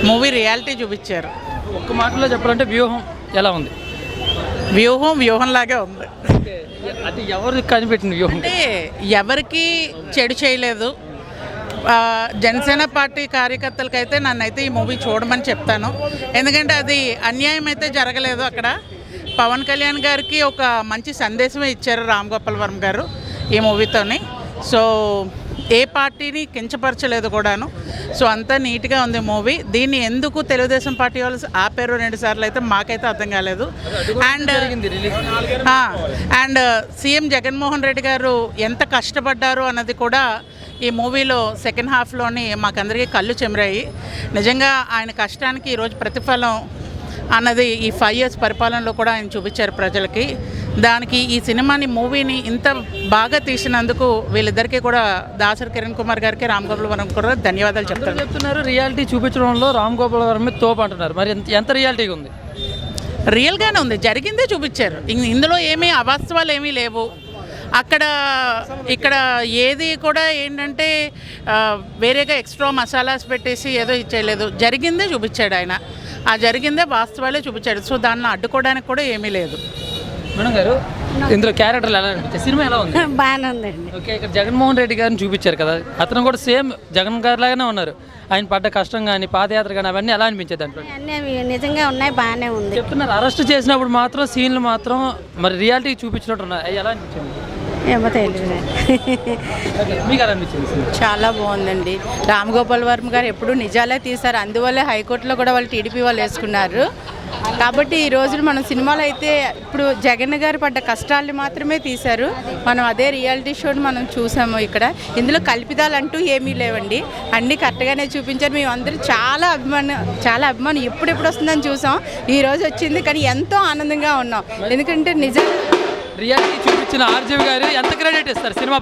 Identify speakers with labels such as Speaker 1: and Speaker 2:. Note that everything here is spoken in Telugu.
Speaker 1: మూవీ రియాలిటీ చూపించారు.
Speaker 2: ఒక్క మాటలో చెప్పాలంటే వ్యూహం ఎలా ఉంది?
Speaker 1: వ్యూహంలాగే ఉంది.
Speaker 2: అది ఎవరు కనిపెట్టింది వ్యూహం?
Speaker 1: అంటే ఎవరికి చెడు చేయలేదు. జనసేన పార్టీ కార్యకర్తలకైతే నన్నైతే ఈ మూవీ చూడమని చెప్తాను. ఎందుకంటే అది అన్యాయం అయితే జరగలేదు. అక్కడ పవన్ కళ్యాణ్ గారికి ఒక మంచి సందేశమే ఇచ్చారు రామ్ గోపాల్ వర్మ గారు ఈ మూవీతోని. సో ఏ పార్టీని కించపరచలేదు కూడాను. సో అంతా నీట్గా ఉంది మూవీ. దీన్ని ఎందుకు తెలుగుదేశం పార్టీ వాళ్ళు ఆపారు 2 సార్లు అయితే మాకైతే అర్థం కాలేదు. అండ్ సీఎం జగన్మోహన్ రెడ్డి గారు ఎంత కష్టపడ్డారు అన్నది కూడా ఈ మూవీలో సెకండ్ హాఫ్లోని మాకందరికీ కళ్ళు చెమరాయి. నిజంగా ఆయన కష్టానికి ఈరోజు ప్రతిఫలం అన్నది ఈ 5 years పరిపాలనలో కూడా ఆయన చూపించారు ప్రజలకి. దానికి ఈ సినిమాని మూవీని ఇంత బాగా తీసినందుకు వీళ్ళిద్దరికీ కూడా దాసరి కిరణ్ కుమార్ గారికి రామ్ గోపాల్ వర్మ కూడా ధన్యవాదాలు
Speaker 2: చెప్తున్నారు. రియాలిటీ చూపించడంలో రామ్ గోపాల్ వర్మ తోపు అంటున్నారు. మరి ఎంత రియాలిటీగా ఉంది?
Speaker 1: రియల్గానే ఉంది. జరిగిందే చూపించారు. ఇందులో ఏమీ అవాస్తవాలు ఏమీ లేవు. ఇక్కడ ఏది కూడా ఏంటంటే వేరేగా ఎక్స్ట్రా మసాలాస్ పెట్టేసి ఏదో ఇచ్చేయలేదు. జరిగిందే చూపించాడు ఆయన. ఆ జరిగిందే వాస్తవాలే చూపించాడు. సో దాన్ని అడ్డుకోవడానికి కూడా ఏమీ లేదు.
Speaker 2: మేడం గారు, ఇందులో క్యారెక్టర్లు ఎలా అనిపించాయి? సినిమా ఎలా ఉంది?
Speaker 3: బాగానే ఉందండి.
Speaker 2: ఓకే, ఇక్కడ జగన్మోహన్ రెడ్డి గారిని చూపించారు కదా, అతను కూడా సేమ్ జగన్ గారి లాగానే ఉన్నారు. ఆయన పడ్డ కష్టం కానీ పాదయాత్ర కానీ అవన్నీ ఎలా అనిపించేది దాంట్లో?
Speaker 3: అన్నీ నిజంగా ఉన్నాయి, బాగానే ఉంది.
Speaker 2: చెప్తున్నారు అరెస్ట్ చేసినప్పుడు మాత్రం సీన్లు మాత్రం మరి రియాలిటీ చూపించినట్టు ఉన్నాయి. అవి ఎలా అనిపించింది?
Speaker 3: ఏమో తెలియదు.
Speaker 2: మీకు ఎలా అనిపించింది?
Speaker 4: చాలా బాగుందండి. రామ్ గోపాల్ వర్మ గారు ఎప్పుడు నిజాలే తీశారు. అందువల్లే హైకోర్టులో కూడా వాళ్ళు టీడీపీ వాళ్ళు వేసుకున్నారు. కాబట్టి ఈ రోజు మనం సినిమాలో అయితే ఇప్పుడు జగన్ గారు పడ్డ కష్టాలు మాత్రమే తీశారు. మనం అదే రియాలిటీ షోని మనం చూసాము. ఇక్కడ ఇందులో కల్పితాలు అంటూ ఏమీ లేవండి. అన్నీ కరెక్ట్గానే చూపించారు. మేము అందరూ చాలా అభిమానం ఎప్పుడెప్పుడు వస్తుందని చూసాం. ఈ రోజు వచ్చింది, కానీ ఎంతో ఆనందంగా ఉన్నాం. ఎందుకంటే నిజం
Speaker 2: రియాలిటీ చూపించిన ఆర్జీవి గారు ఎంత క్రెడిట్ ఇస్తారు సినిమా